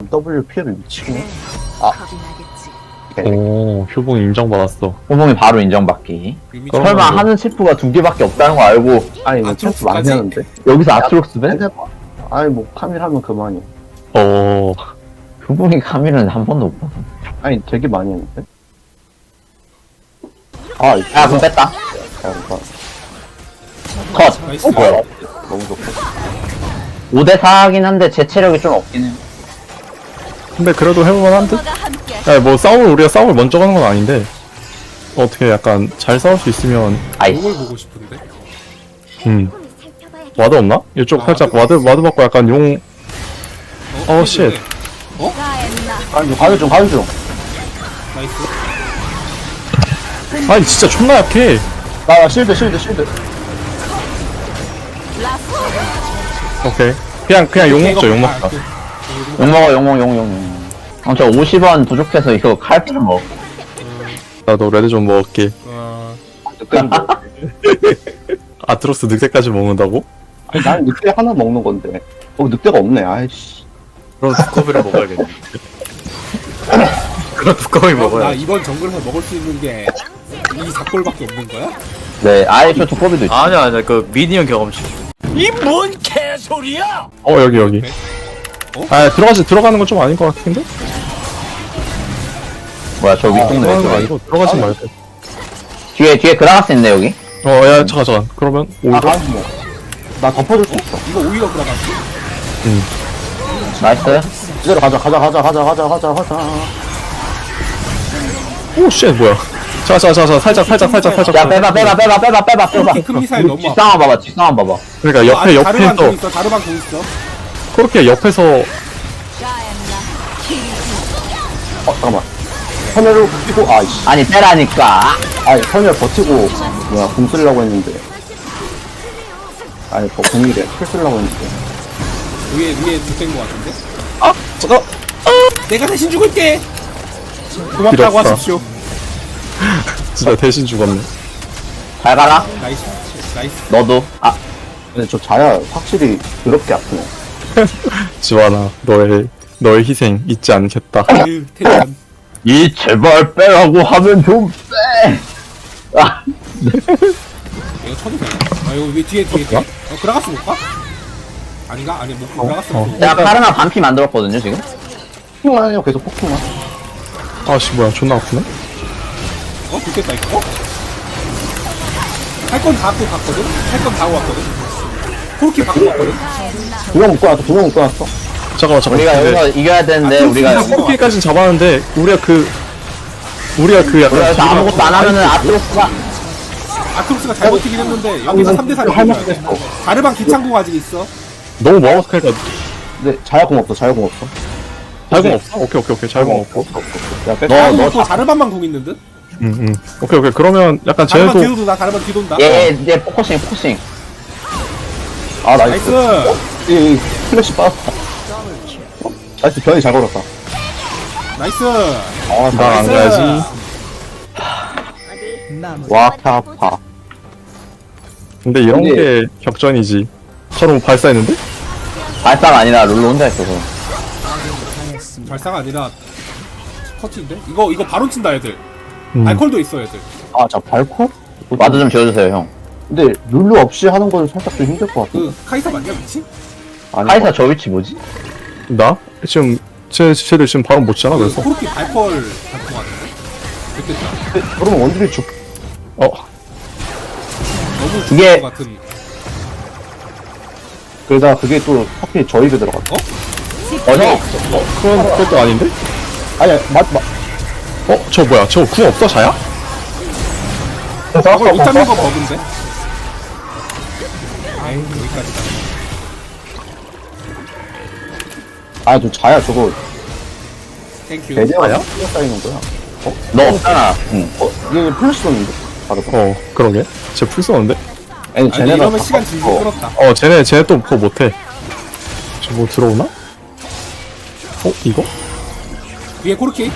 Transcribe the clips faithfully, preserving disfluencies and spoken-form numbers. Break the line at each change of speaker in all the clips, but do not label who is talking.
W 피해를 미치네.
겁이 나겠지.
오, 효봉 인정받았어.
호봉이 바로 인정받기.
이미
그럼-
설마 하는 체프가 두 개밖에 없다는 거 알고
아니, 이거
아트록스까지?
체스 많이 하는데?
여기서 아트록스 배?
해봐. 아니, 뭐, 카밀 하면 그만이야.
어,
호봉이 카밀은 한 번도 못 봤어.
아니, 되게 많이 했는데? 아, 이거.
야, 그럼 뺐다.
잠깐.
컷.
나이스.
어, 뭐야?
너무 좋고.
오 대 사긴 한데 제 체력이 좀 없긴 해요.
근데 그래도 해볼만한 듯?
엄마가 함께
야, 뭐 싸움을, 우리가 싸움을 먼저 가는 건 아닌데, 어떻게 약간 잘 싸울 수 있으면,
아이씨.
이걸 보고 싶은데.
음. 와드 없나? 이쪽
아,
살짝
와드
와드, 와드 받고 약간 용, 어, 쉣.
가엔나.
가는 중, 가는 중, 가는 중.
나이스.
아니, 진짜 존나 약해.
나, 나 실드, 실드, 실드.
라스.
오케이. 그냥, 그냥 용 먹자, 용 먹자.
욕 먹어, 욕 먹어, 욕, 욕, 욕. 어, 저 오십 원 부족해서 이거 칼피를 먹어.
나도 레드 좀 먹을게.
어,
늑대는 뭐.
아트로스 늑대까지 먹는다고?
아니, 난 늑대 하나 먹는 건데. 어, 늑대가 없네, 아이씨.
그럼 두꺼비를 먹어야겠네. 그럼 두꺼비
형, 나
먹어야
이번 정글에서 먹을 수 있는 게 이 작골밖에 없는 거야?
네, 아예 저 두꺼비도 있어.
아니야, 아니야, 그 미니언 경험치. 어, 여기, 여기.
어?
아, 들어가지, 들어가는 건 좀 아닌 것 같은데?
뭐야, 저 윗동네
들어가는 거
왜
아니고, 들어가지 말고.
뒤에, 뒤에 그라가스 있네, 여기.
어, 야, 잠깐, 잠깐. 그러면,
아,
오히려?
가는 중. 나 덮어줄 수 있어.
이거 오히려 그라가스.
나이스.
이대로 가자, 가자, 가자, 가자, 가자, 가자, 가자.
오, 쉣, 뭐야. 자, 자, 자, 자, 살짝, 살짝, 살짝, 살짝.
야, 빼봐, 빼봐, 빼봐, 빼봐, 빼봐, 빼봐.
큰 미사일 너무 아파.
뒷상황 봐봐, 뒷상황 봐봐.
그러니까 옆에,
아, 다르반 공
옆에서,
있어. 다르반 공 있어.
그렇게 옆에서,
가엔나.
어, 잠깐만. 선열을 버티고, 아이씨.
아니, 빼라니까.
아니, 선열 버티고, 뭐야, 공 쓰려고 했는데. 아니, 뭐, 공이래. 킬 쓰려고 했는데.
위에 위에 두대인 거 같은데.
아, 잠깐.
내가 대신 죽을게. 고맙다고
길었다.
하십시오.
진짜 대신 죽었네.
잘 가라.
나이스. 나이스.
너도. 아,
근데 저 자야 확실히 더럽게 아프네.
지완아, 너의, 너의 희생 잊지 않겠다.
아유, 테리안.
이 제발 빼라고 하면 좀 빼. 아,
이거 쳐도 되나? 아 이거 왜 뒤에 뒤에 뒤에. 어 그라가스 못 가? 아닌가? 아니 못 그라가스
어.
못.
제가 카르마 반피 만들었거든요, 지금.
폭풍만 해요, 계속 폭풍만.
아씨, 뭐야, 존나 아프네?
어 좋겠다 이거. 어? 할 건 다 갖고 갔거든. 할 건 다 하고 왔거든. 코르키 갖고 왔거든.
두 명 묶어놨어, 두 명 묶어놨어.
잠깐만, 잠깐만.
우리가
근데
여기서 이겨야 되는데,
아,
우리가.
그렇구나.
코르키까진 잡았는데, 우리가 그, 우리가 그 약간.
우리가 여기서 아무것도 안 하면은 아트로스가.
아크로스가 잘 버티긴 했는데 여기서 삼 대 삼이
할
이겨야
만큼
돼.
했어.
다르반 기창공 아직 있어.
너무 멀어서 그러니까
근데 자야공 없어, 자야공 없어.
잘공 없어? 오케이, 오케이, 오케이. 잘공 없고.
없어, 없어. 없어. 야, 백.
너,
다르반
너
없고 다르반만 공 있는 듯.
응, 응. 오케이, 오케이. 그러면 약간
다르반
쟤네도.
뒤돈다. 다르반 뒤돈다.
얘, 얘, 얘, 포커싱, 포커싱.
아, 나이스.
나이스.
이, 이, 플래시 빠졌다. 어? 나이스, 변이 잘 걸었다.
나이스.
아,
나 안
나이스.
가야지.
와, 타파.
근데 이런
근데-
게 격전이지. 서로 발사했는데?
발사가 아니라 룰루 혼자 있어서.
발사가 아니라 커트인데? 이거 이거 바로 친다 애들.
음.
알콜도 있어 애들.
아, 자, 발코?
와드 좀 지워주세요, 형.
근데 룰루 없이 하는 건 살짝 좀 힘들 것 같아.
그 카이사 맞냐 미친?
아니,
카이사 저 위치 뭐지?
나? 지금, 쟤, 쟤들 지금 바로 못 치잖아,
그
그래서.
코르키 발펄 같은 거 같은데? 됐겠다.
근데 그러면 원딜이 죽.
어,
너무
이게-
죽을 것 같은.
그러다 그게 또 하필 저입에 들어갔어.
어?
어, 형.
그건, 그것도 아닌데?
아니, 맞, 맞.
어, 저 뭐야? 저 궁 없어, 자야?
저걸 못 잡는 거 버그인데? 아이 여기까지다.
아, 저 자야 저거
땡큐.
대대가 쌓이는 거야.
너 없잖아. 응.
어, 이게 플래시 줬는데? 바로.
어, 그러게. 쟤 풀 쏘는데?
아니,
아니
쟤네가.
이러면
다
시간
바꿔.
질질 끌었다.
어, 쟤네, 쟤네 또 그거 못해. 저 뭐 들어오나? 어, 이거?
위에 코르키.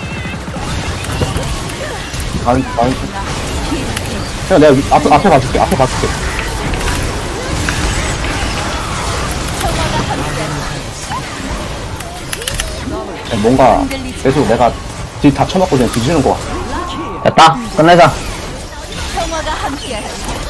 아니, 아니. 그냥 내가 위- 앞에, 앞에 봐줄게, 앞에 봐줄게. 뭔가 계속 내가 뒤 다 쳐맞고 그냥 뒤지는 거 같아.
됐다. 끝내자.
평화가 함께하리.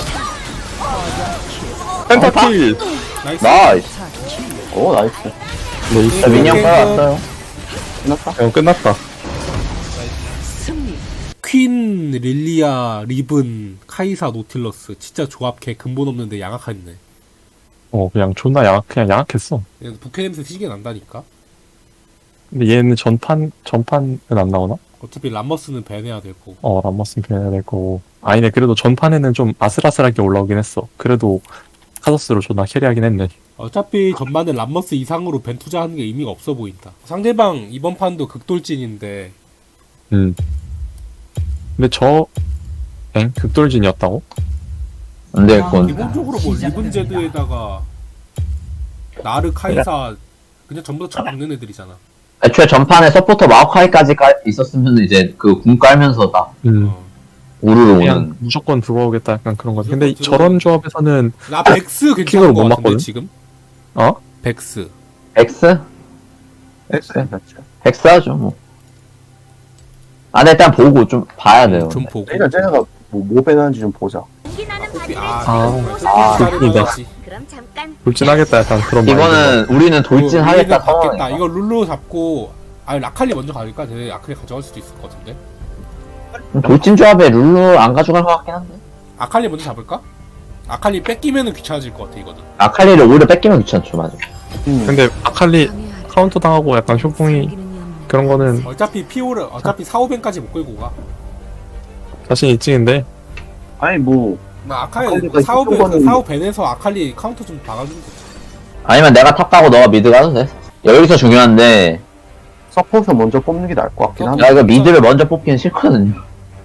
펜타킬!
나이스.
나이스.
오 나이스.
네,
자, 미니언 빨았어요.
끝났다.
이거 끝났다.
승리.
퀸, 릴리아, 리븐, 카이사, 노틸러스. 진짜 조합 개 근본 없는데 양악했네.
어, 그냥 존나 양악, 그냥 양악했어.
그냥 부캐 냄새 시게 난다니까.
근데 얘는 전판, 전판은 안 나오나?
어차피 람머스는 밴해야 되고.
어, 람머스는 변해야 될 거고. 아니네, 그래도 전판에는 좀 아슬아슬하게 올라오긴 했어. 그래도 카서스로 존나 캐리하긴 했네.
어차피 전반에 람머스 이상으로 밴 투자하는 게 의미가 없어 보인다. 상대방 이번 판도 극돌진인데
음. 근데 저, 엥? 극돌진이었다고?
안 되겠군.
기본적으로 뭐 리븐제드에다가 나르, 카이사 그냥 전부 다 쳐박는 애들이잖아.
애초에 전판에 서포터 마오카이까지 깔- 있었으면 이제 그 궁 깔면서 다
음.
어.
우르르
그냥
오는.
무조건 들어오겠다 약간 그런 거. 근데
무조건
저런 조합에서는,
나 백스 괜찮은
킥으로
거
못
같은데
맞거든?
지금?
어?
백스.
엑스?
엑스.
엑스 하죠, 뭐. 아, 근데 일단 보고 좀 봐야 돼요.
좀 보고.
일단 쟤네가 뭐, 뭐 빼는지 좀 보자.
아,
아,
아,
그렇습니다.
그럼 잠깐.
돌진하겠다 약간 그런 마인드가.
이거는 우리는 돌진하겠다
받겠다.
상황이니까.
이거 룰루 잡고 아니 라칼리 먼저 가니까 쟤네 아칼리 가져갈 수도 있을 것 같은데.
돌진 조합에 룰루 안 가져갈 것 같긴 한데.
아칼리 먼저 잡을까? 아칼리 뺏기면은 귀찮아질 것 같아 이거는.
아칼리를 오히려 뺏기면 귀찮죠, 맞아.
음.
근데 아칼리 카운터 당하고 약간 효풍이 그런 거는
어차피 피오를 어차피 사오벤까지 못 끌고 가.
자신 있지인데
아니 뭐
나 아칼리
아칼리가
사오벤
이쪽으로는-
그 사오벤에서 아칼리 카운터 좀 박아주면 되지.
아니면 내가 탑 가고 너가 미드 가도 돼. 여기서 중요한데,
서포트 먼저 뽑는 게 나을 것 같긴 한데.
나 이거 미드를 먼저 뽑기는 싫거든요.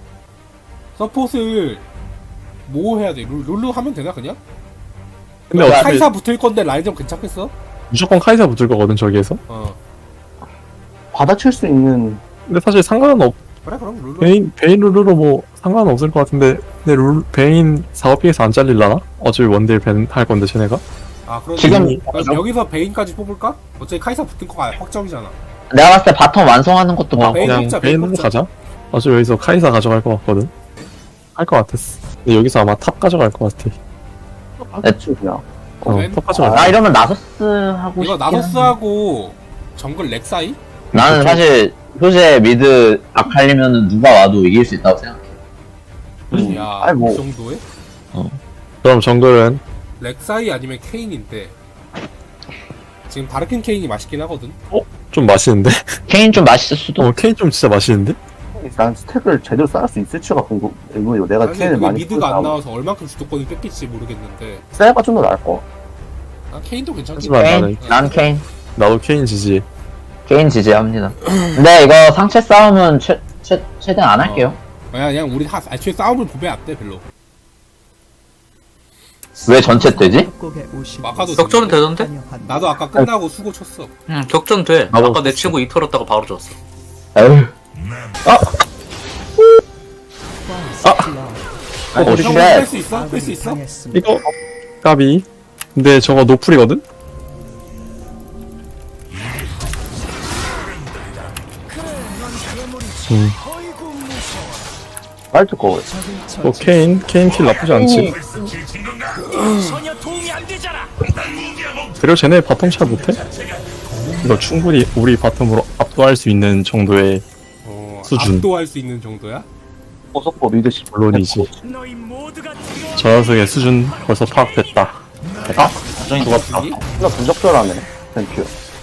서폿을 뭐 해야 돼? 룰, 룰루 하면 되나 그냥?
근데 어차피
카이사 붙을 건데 라인전 괜찮겠어?
무조건 카이사 붙을 거거든 저기에서.
어
받아칠 수 있는
근데 사실 상관은 없.
그래 그럼 룰루.
베인 베인 룰루로 뭐 상관은 없을 것 같은데. 근데 룰 베인 사업비에서 안 잘릴라나? 어차피 원딜 벤할 건데 쟤네가.
아 그럼
지금-
그럼 여기서 베인까지 뽑을까? 어차피 카이사 붙은 거가 확정이잖아.
내가 봤을 때 바텀 완성하는 것도
어,
막,
베인
그냥
뽑자,
베인
베인
룰루
뽑자.
가자. 어차피 여기서 카이사 가져갈 것 같거든. 할 것 같았어. 근데 여기서 아마 탑 가져갈 것 같아.
받아칠 그냥.
어,
벤?
탑 가져갈.
나 이러면 나서스 하고
이거
싶긴 한데.
나서스하고 정글 렉사이?
나는 사실 효제 미드 아칼리면은 누가 와도 이길 수 있다고 생각해.
음.
야,
아니 뭐
이 정도에?
그럼 정글은
렉사이 아니면 케인인데 지금 바르킨 케인이 맛있긴 하거든.
좀 맛있는데?
케인 좀 맛있을 수도.
어 케인 좀 진짜 맛있는데?
난 스택을 제대로 쌓을 수 있을지가 궁금. 이거 내가
아니
케인을
그게
많이
미드가 안
쓰고
나와서 얼만큼 주도권을 뺏길지 모르겠는데
셀가 좀 더 나을 거.
난 케인도 괜찮긴
하지만
해.
나는
케인? 난 케인.
나도 케인 지지.
케인 지지합니다. 근데 이거 상체 싸움은 최, 최, 최대한 안 할게요.
그냥 그냥 우리 하, 애초에 싸움을 보면 안 돼 별로.
왜 전체 되지?
아까도
격전은 되던데?
나도 아까 끝나고 수고 쳤어.
응, 격전 돼.
나도
아까 내 친구 이 털었다가 바로 줬어.
에휴.
어,
오,
우리
쉣.
뺄수 있어? 뺄 수 있어?
이거 까비. 근데 저거 노플이거든? 음.
빨리 거.
뭐 케인 케인 킬 나쁘지 않지. 그리고 쟤네 바텀 잘 못해? 이거 충분히 우리 바텀으로 압도할 수 있는 정도의
어,
수준.
압도할 수 있는 정도야?
서포 리더십
물론이지. 저 녀석의 수준 벌써 파악됐다. 아? 죽었다.
이게
나 부적절하네. 땡큐.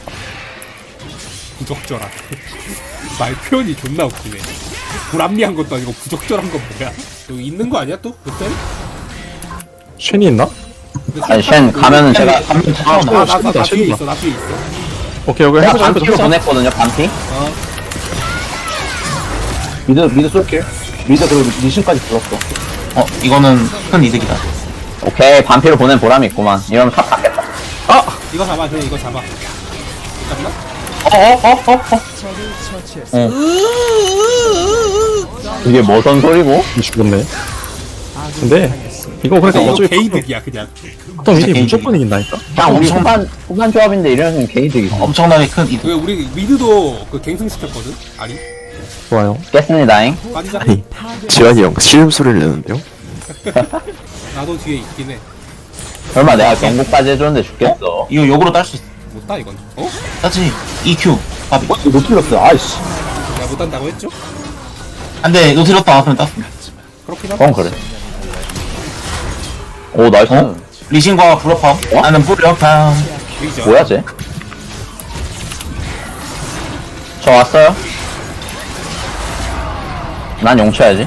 부적절한. 말 표현이 존나 웃기네. 불합리한 것도 아니고 부적절한 건 뭐야? 여기 있는 거 아니야 또? 그때?
쉔이 있나?
아니, 쉔 가면은 제가 가면
아,
처음
나,
나.
나, 나, 나 뒤에
쉔이다.
있어, 나 뒤에 있어.
오케이 오케이
내가
해보자
반피로
해보자.
보냈거든요, 반피.
어,
미드 미드 쏠게. 미드 그리고 리신까지 불렀어.
어, 이거는 큰 이득이다.
오케이, 반피로 보낸 보람이 있구만. 이러면 탑 받겠다.
이거 잡아, 그래, 이거 잡아. 잡나?
이게 뭐선 소리고?
죽었네. 근데 이거 그러니까
이거
어차피
개이득이야, 그냥.
바텀
진짜
일이
게이득.
무조건 이긴다니까?
그냥 우리
엄청-
후반, 후반 조합인데 이러면 게이득이지.
엄청나게 큰 이득.
왜 우리 미드도 그 갱승 시켰거든? 아니?
좋아요.
깼습니다잉.
빠지자.
아니 지환이 형 시음소리를 내는데요?
나도 뒤에 있긴 해.
설마 내가 경고까지 해줬는데 죽겠어.
이거 역으로 딸 수 있어.
못 따, 이건. 어?
따지. 이큐. 바비.
이거 못 틀렸어. 아이씨.
내가 못 딴다고 했죠?
안돼. 너 들었다. 나왔으면 땄어.
그렇긴 하다.
어, 그래. 오, 나이스.
어? 리신과 블러팜. 나는 블러팜.
이기죠.
뭐야, 쟤? 저 왔어요? 난 용쳐야지.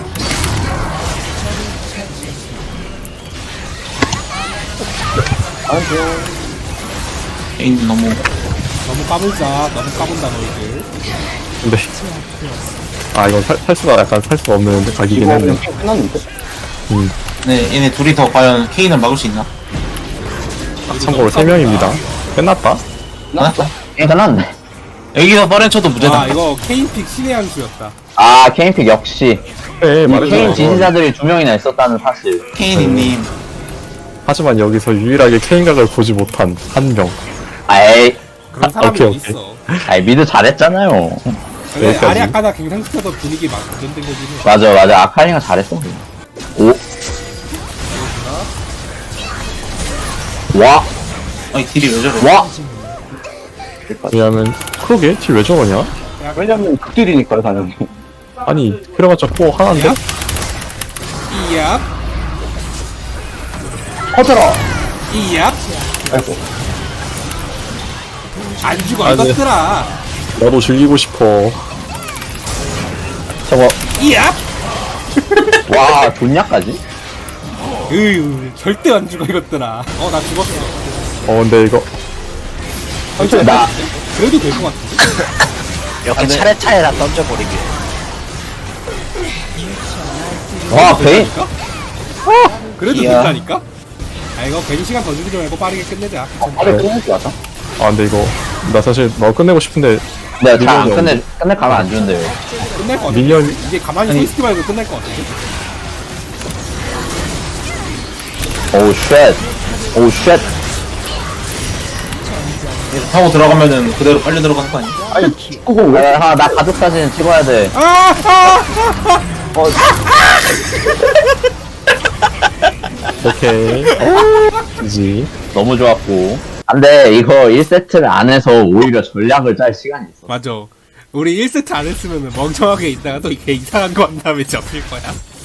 에인 너무.
너무 까불자. 너무 까분다, 너희들.
근데 아 이거 살, 살 수가 약간 살 수가 없는 각이긴
이거
했네.
그냥 끝났는데?
네, 얘네 둘이 더 과연 케인을 막을 수 있나?
참고로 세 명입니다. 끝났다.
끝났다.
예, 끝났네.
여기서 빠른 쳐도 무죄다.
아, 이거 케인픽 신의 한 수였다.
아, 케인픽 역시.
네
이
말해줘.
케인 지지자들이 두 명이나 있었다는 사실.
케인님.
하지만 여기서 유일하게 케인각을 보지 못한 한 명.
아이,
그런 사람이
오케이, 오케이.
있어.
아이, 미드 잘했잖아요.
근데
여기까지.
아리 아까나 갱상시켜서 분위기 막 전된 거긴 해.
맞아, 맞아. 아카리가 잘했어. 오. 와,
아니 딜이 왜 저래?
와.
왜냐면 그러게 딜 왜 저러냐?
왜냐면 극딜이니까요, 당연히.
아니 그래봤자 코어 하나인데?
이얍,
퍼져라!
이얍.
아이고.
안 죽어,
아, 네.
이것들아.
나도 즐기고 싶어.
저거,
이얍.
와, 좋냐까지?
으유, 절대 안 죽어, 이것들아. 어, 나 죽었어.
어 근데 이거
나,
그래도 될 것 같은데?
이렇게 차례차례 다 던져버리게.
와, 베인.
된다니까? 그래도
이야.
된다니까? 아, 이거 괜히 시간 더 주지 말고 빠르게 끝내자.
빨리 끝내지 마자.
아 근데 이거 나 사실 너 끝내고 싶은데
내가 잘 안
밀려서
끝내, 끝내 가면 안 주는데요.
끝낼 것 같은데?
밀리언
이제 가만히 서 있지 말고 끝낼 것 같은데?
오우, 쉣. 오우, 쉣.
얘 타고 들어가면은 그대로 빨리 들어가는 거 아니야?
아니, 축구공 왜?
아, 나 가족 사진 찍어야 돼.
아! 아!
오케이 이지.
너무 좋았고. 안 돼, 이거 일 세트를 안 해서 오히려 전략을 짤 시간이 있어.
맞아. 우리 일 세트 안 했으면 멍청하게 있다가 또 이렇게 이상한 거 한 다음에 접힐 거야.